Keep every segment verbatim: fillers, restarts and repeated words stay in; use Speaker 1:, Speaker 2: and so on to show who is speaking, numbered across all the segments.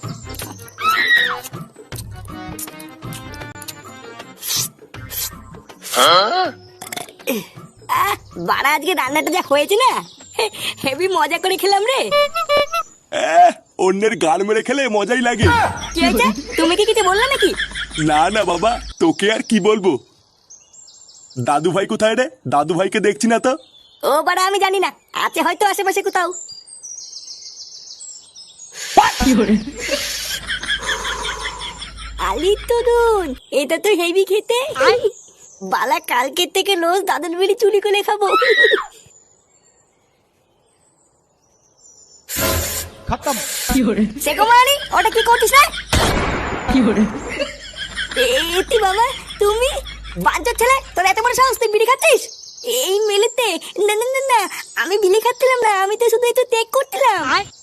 Speaker 1: বাড়া আজকে রান্নাটা যা হয়েছে না, হেভি মজা করে খেলাম রে।
Speaker 2: আহ, অন্যের গান মেরে খেলে মজাই লাগে।
Speaker 1: কি হয়েছে? তুমি কি কিছু বললে নাকি?
Speaker 2: না না বাবা, তোকে আর কি বলবো। দাদু ভাই কোথায় রে? দাদু ভাইকে দেখছি না তো।
Speaker 1: ও বাড়া আমি জানি না, আছে হয়তো আশেপাশে কোথাও। আলি তরুণ, এটা তো হেভি খেতে। বালা কালকের থেকে রোজ দাদুর বিড়ি চুরি করে খাবো। সেকুমারি, ওটা কি করছিস রে? এতি বাবা, তুমি বাঞ্চর ছেলে, তোর এত বড় সাহস, তুই বিড়ি খাচ্ছিস এই মেলেতে? না না না না, আমি বিড়ি খাচ্ছিলাম না, আমি তো শুধু একটু টেক করছিলাম।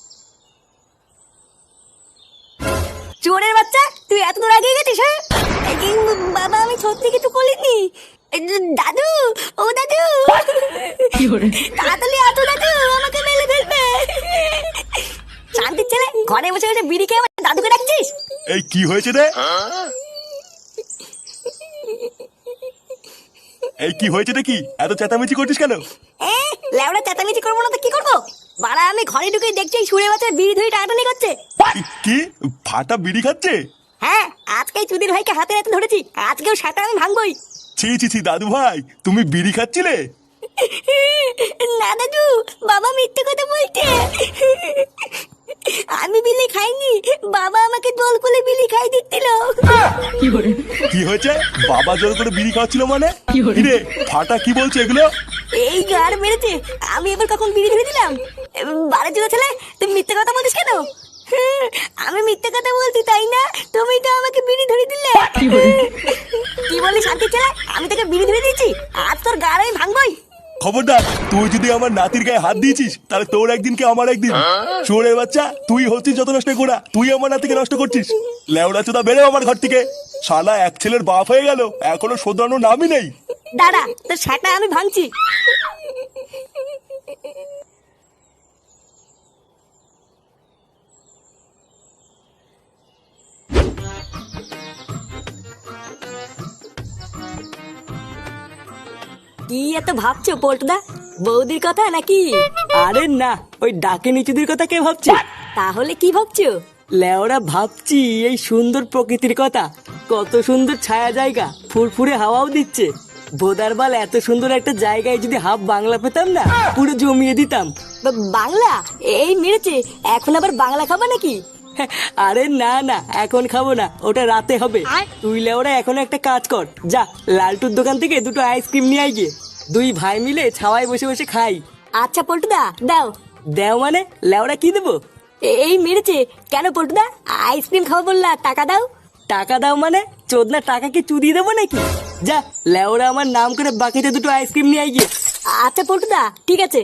Speaker 1: চোরের বাচ্চা, তুই এত দূর আগে গেছিস? হ্যাঁ বাবা, আমি সত্যি কিছু বলিনি। দাদু, ও দাদু, তাড়াতাড়ি আতো দাদু, আমাকে মেলে ফেলবে। শান্তির ছেলে, ঘরে বসে বসে বিড়ি খেয়ে আমার দাদুকে ডাকছিস?
Speaker 2: এই কি হয়েছে রে? এই কি হয়েছে রে? কি এত চেঁচামেচি করছিস কেন?
Speaker 1: লেওড়া চেঁচামেচি করবো না তো কি করবো? বাড়া আমি ঘরে ঢুকে দেখছি সুরে বাচ্চা বিড়ি ধরে টাটানি করছে।
Speaker 2: কি ফাটা বিড়ি খাচ্ছে?
Speaker 1: হ্যাঁ, আজকে চুদির ভাইকে হাতে হাতে ধরেছি, আজকেও সেটা আমি ভাঙবই।
Speaker 2: ছি ছি ছি দাদু ভাই, তুমি বিড়ি খাচ্ছিলে?
Speaker 1: না দাদু, বাবা মিথ্যে কথা বলছে। আমি বিলি খাইনি, বাবা আমাকে দোল করে বিলি খাই দিচ্ছিল।
Speaker 2: কি হয়েছে? বাবা জোর করে বিড়ি খাওয়াচ্ছিল মানে? রে ফাটা কি বলছে এগুলো?
Speaker 1: এই গাড় মেরেছে, আমি এবার কখন বিড়ি ধরে দিলাম? বারে জোড়া ছেলে, তুমি মিথ্যে কথা বলছিস কেন? আমি মিথ্যে কথা বলছি তাই না? তুমি তো আমাকে বিড়ি ধরে দিলে। কি বলি শান্তি ছেলে, আমি তোকে বিড়ি ধরে দিয়েছি, আজ তোর গাড় আমি ভাঙবই।
Speaker 2: খবরদার, তুই যদি আমার নাতির গায়ে হাত দিয়েছিস তাহলে তোর একদিন কে আমার একদিন। চোরের বাচ্চা, তুই হচ্ছিস যত নষ্ট করা, তুই আমার নাতিকে নষ্ট করছিস। লেওড়া চোদা বেরো আমার ঘর থেকে। শালা এক ছেলের বাপ হয়ে গেল, এখনো শোধরানোর নামই নেই।
Speaker 1: দাঁড়া, তোর সেটা আমি ভাঙছি। কি এত ভাবছো পল্টুদা? বৌদির কথা নাকি?
Speaker 3: আরে না, ওই ডাকে নিচুদের কথা কে ভাবছে?
Speaker 1: তাহলে কি ভাবছো?
Speaker 3: লেওরা ভাবছি এই সুন্দর প্রকৃতির কথা। কত সুন্দর ছায়া জায়গা, ফুরফুরে হাওয়াও দিচ্ছে। বোদারবাল, এত সুন্দর একটা জায়গায় যদি হাফ বাংলা পেতাম না, পুরো জমিয়ে দিতাম।
Speaker 1: বাংলা? এই মেরেছে, এখন আবার বাংলা খাবা নাকি?
Speaker 3: আরে না না, এখন খাবো না, ওটা রাতে হবে। তুই লেওরা এখন একটা কাজ কর, যা লালটুর দোকান থেকে দুটো আইসক্রিম নিয়ে আয় গিয়ে। দুই ভাই মিলে ছাওয়ায় বসে বসে খাই।
Speaker 1: আচ্ছা পল্টুদা, দাও।
Speaker 3: দেও মানে? লেওরা কি দেবো?
Speaker 1: এই মেরেছে, কেন পল্টুদা? আইসক্রিম খাবো বললা, টাকা দাও।
Speaker 3: টাকা দাও মানে? চোদনা টাকা কি চুদিয়ে দেবো নাকি? যা লেওরা আমার নাম করে বাকিতে দুটো আইসক্রিম নিয়ে আয় গিয়ে।
Speaker 1: আচ্ছা পল্টুদা, ঠিক আছে।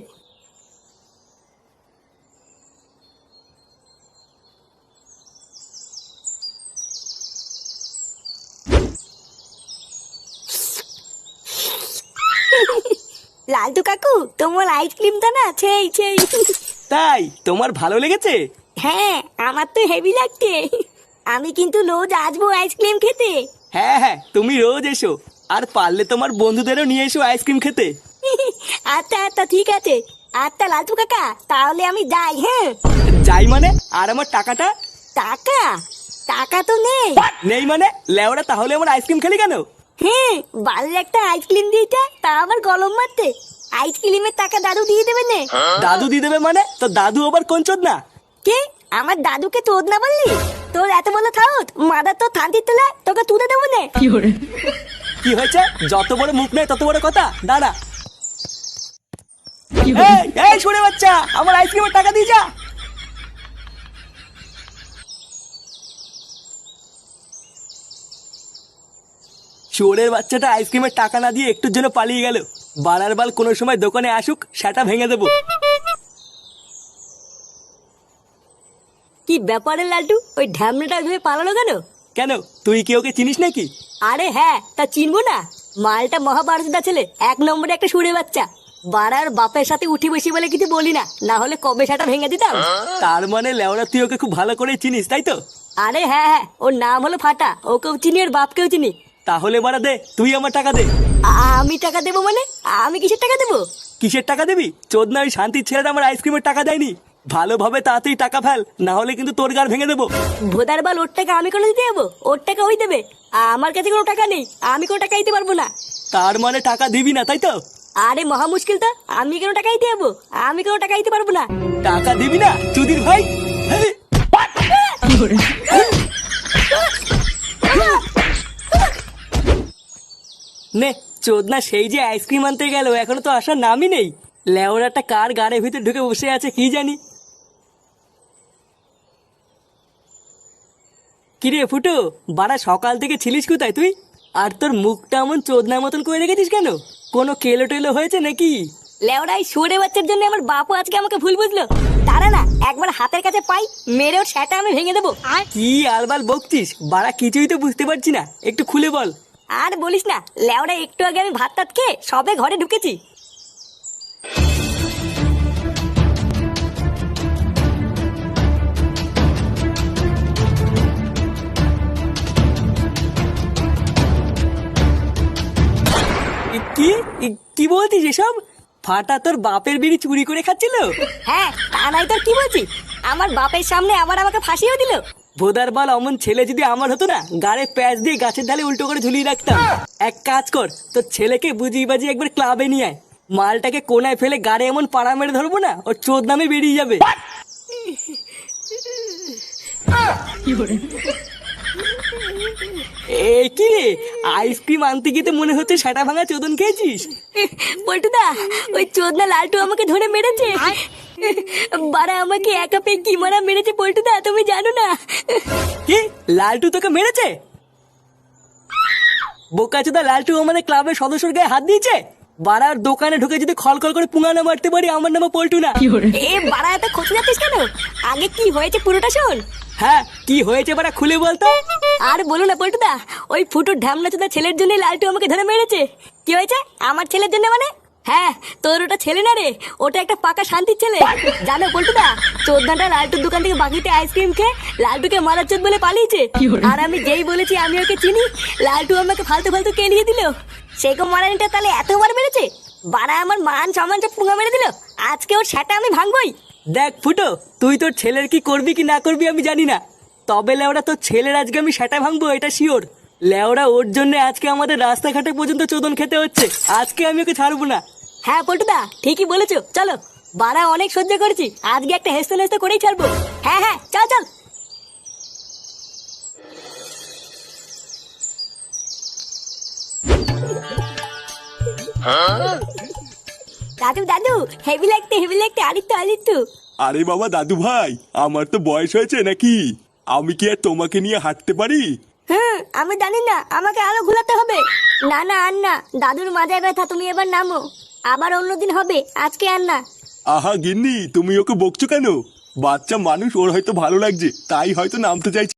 Speaker 1: লালটু কাকু, তোমার আইসক্রিমটা না সেই সেই।
Speaker 3: তাই তোমার ভালো লেগেছে?
Speaker 1: হ্যাঁ, আমার তো হেভি লাগছে। আমি কিন্তু রোজ আসবো আইসক্রিম খেতে।
Speaker 3: হ্যাঁ হ্যাঁ, তুমি রোজ এসো, আর পারলে তোমার বন্ধুদেরও নিয়ে এসো আইসক্রিম খেতে।
Speaker 1: আচ্ছা আচ্ছা, ঠিক আছে। আচ্ছা লালটু কাকা, তাহলে আমি যাই। হ্যাঁ
Speaker 3: যাই মানে? আর আমার টাকাটা?
Speaker 1: টাকা? টাকা তো নেই।
Speaker 3: নেই মানে? লেওরা তাহলে আমার আইসক্রিম খেলি কেন?
Speaker 1: হ্যাঁ, বাড়ির একটা আইসক্রিম দিয়েছে, তা আমার গলম মারতে। আইসক্রিমের টাকা দাদু দিয়ে দেবে নে।
Speaker 3: দাদু দিয়ে দেবে মানে? তো দাদু আবার কোন চোদ না?
Speaker 1: কে? আমার দাদুকে তোদ না বললি? তোর এত বড় থাউত, মাদার তো থানতির তোলা, তোকে তুলে দেবো নে।
Speaker 3: কি হয়েছে? যত বড় মুখ নেই তত বড় কথা। দাঁড়া, এই শুনে বাচ্চা, আমার আইসক্রিমের টাকা দিয়ে যা। চোরের বাচ্চাটা আইসক্রিমের টাকা না দিয়ে একটুর জন্য পালিয়ে গেল। বাড়ার বাল কোনো সময় দোকানে আসুক, সেটা ভেঙে দেবো।
Speaker 1: কি ব্যাপারে লালটু, ওই ঢ্যামনাটা ধরে পালালো কেন?
Speaker 3: কেন, তুই কি ওকে চিনিস নাকি?
Speaker 1: আরে হ্যাঁ, তা চিনবো না? মালটা মহাভারতদা ছেলে, এক নম্বরে একটা সুরে বাচ্চা। বাড়ার বাপের সাথে উঠি বসি বলে কিছু বলি না, না হলে কবে সেটা ভেঙে দিতাম।
Speaker 3: তার মানে লেওড়া তুই ওকে খুব ভালো করে চিনিস তাই তো?
Speaker 1: আরে হ্যাঁ হ্যাঁ, ওর নাম হলো ফাটা, ওকেও চিনি ওর বাপকেও চিনি।
Speaker 3: তাহলে বাড়া দে, তুই আমার টাকা দে।
Speaker 1: আ- আমি টাকা দেবো মানে? আমি কিসের টাকা দেবো?
Speaker 3: কিসের টাকা দিবি? চোদনা ওই শান্তির ছেলেটা আমার আইসক্রিমের টাকা দেয়নি। ভালোভাবে তাড়াতাড়ি টাকা ফেল, না হলে কিন্তু তোর গার ভেঙে দেবো।
Speaker 1: ভোদার বাল, ওর টাকা আমি কোনো দিতে যাবো? ওর টাকা ওই দেবে, আমার কাছে কোনো টাকা নেই, আমি কোনো টাকা দিতে পারবো না।
Speaker 3: তার মানে টাকা দিবি না তাই তো?
Speaker 1: আরে মহা মুশকিল তো, আমি কেন টাকা দিতে যাবো? আমি কোনো টাকা দিতে পারবো না।
Speaker 3: টাকা দিবি না চুদির ভাই? হেই! নে চোদনা সেই যে আইসক্রিম আনতে গেল, এখনো তো আসার নামই নেই। লেওরাটা কার গাড়ির ভিতরে ঢুকে বসে আছে কি জানি। কিরে ফুটো, বাড়া সকাল থেকে ছিলিস কোথায় তুই? আর তোর মুখটা এমন চোদনার মতন করে রেখেছিস কেন? কোনো কেলো টেলো হয়েছে নাকি?
Speaker 1: লেওড়াই সরে বাচ্চার জন্য আমার বাপও আজকে আমাকে ভুল বুঝলো। তারা না, একবার হাতের কাছে পাই, মেরে ওর সেটা আমি ভেঙে দেবো। আর
Speaker 3: কি আলবাল বকছিস? বাড়া কিছুই তো বুঝতে পারছি না, একটু খুলে বল।
Speaker 1: আর বলিস না, লেওড়া একটু আগে আমি ভাত টাত খেয়ে সবে ঘরে ঢুকেছি।
Speaker 3: এ কি এ কি বলছিস এসব? ফাটা তোর বাপের বিড়ি চুরি করে খাচ্ছিল?
Speaker 1: হ্যাঁ, তা নাই তোর কি বলছি? আমার বাপের সামনে আবার আমাকে ফাঁসিও দিল।
Speaker 3: ভোদার বাল, অমন ছেলে যদি আমার হতো না, গাড়ে প্যাচ দিয়ে গাছের ঢালে উল্টো করে ঝুলিয়ে রাখতাম। এক কাজ কর, তোর ছেলেকে বুঝিয়ে বাজিয়ে একবার ক্লাবে নিয়ে আয়। মালটাকে কোনায় ফেলে গাড়ে এমন পাড়া মেরে ধরবো না, ওর চোদ নামে বেরিয়ে যাবে। এ কি রে, আইসক্রিম আনতে গিয়ে তো মনে হচ্ছে সেটা ভাঙা চোদন খেয়েছিস।
Speaker 1: পল্টুদা, ওই চোদনা লালটু আমাকে ধরে মেরেছে। বারা আমাকে একা পেয়ে কি মারা মেরেছে পল্টুদা, তুমি জানো না?
Speaker 3: কি, লালটু তোকে মেরেছে? বোকাচোদা, লালটু আমাদের ক্লাবের সদস্যর গায়ে হাত দিয়েছে? বাড়ার দোকানে ঢুকে যদি খলখল করে পুঙ্গানো মারতে পারি, আমার নামে পল্টু না।
Speaker 1: এ বারা, এত খোঁজ যাচ্ছিস কেন? আগে কি হয়েছে পুরোটা শোন।
Speaker 3: হ্যাঁ, কি হয়েছে বাড়া খুলে বলতো।
Speaker 1: আর বলো না পল্টুদা, ওই ফুটুর ঢামনা চোদা ছেলের জন্য লালটু আমাকে ধরে মেরেছে। কি হয়েছে আমার ছেলের জন্য মানে? হ্যাঁ, তোর ওটা ছেলে না রে, ওটা একটা পাকা শান্তির ছেলে। জানো পল্টুদা, চোদ্দাটা লালটুর দোকান থেকে বাকিতে আইসক্রিম খেয়ে লালটুকে মারার চোদ বলে পালিয়েছে। আর আমি যেই বলেছি আমি ওকে চিনি, লালটু আমাকে ফালতু ফালতু কেলিয়ে দিল। সেকম মারানিটা তাহলে এতবার মেরেছে? বাড়া আমার মান সম্মান সব পুঙ্গা মেরে দিল। আজকে ওর সেটা আমি ভাঙবই।
Speaker 3: দেখ ফুটো, তুই তোর ছেলের কি করবি কি না করবি আমি জানি না, তবে লেওড়া তোর ছেলের আজকে আমি সেটা ভাঙবো, এটা শিওর। লেওড়া ওর জন্য আজকে আমাদের রাস্তাঘাটে পর্যন্ত চোদন খেতে হচ্ছে। আজকে আমি ওকে ছাড়বো না।
Speaker 1: হ্যাঁ পল্টুদা, ঠিকই বলেছো, চলো। বাড়া অনেক সহ্য করেছি, আজকে একটা হেসতে হেসতে করেই ছাড়বো। হ্যাঁ হ্যাঁ, চল চল। দাদু দাদু, হেভি লাগতে হেভি লাগতে, আরিত্য আরিত্য।
Speaker 2: আরে বাবা দাদু ভাই, আমার তো বয়স হয়েছে নাকি? আমি কি আর তোমাকে নিয়ে হাঁটতে পারি?
Speaker 1: হুম, আমি জানি না, আমাকে আরো ঘুরাতে হবে। না না, আর না, দাদুর মাথায় ব্যথা, তুমি এবার নামো। আবার অন্যদিন হবে, আজকে আর না।
Speaker 2: আহা গিন্নি, তুমি ওকে বকছো কেন? বাচ্চা মানুষ, ওর হয়তো ভালো লাগছে, তাই হয়তো নামতে চাইছে।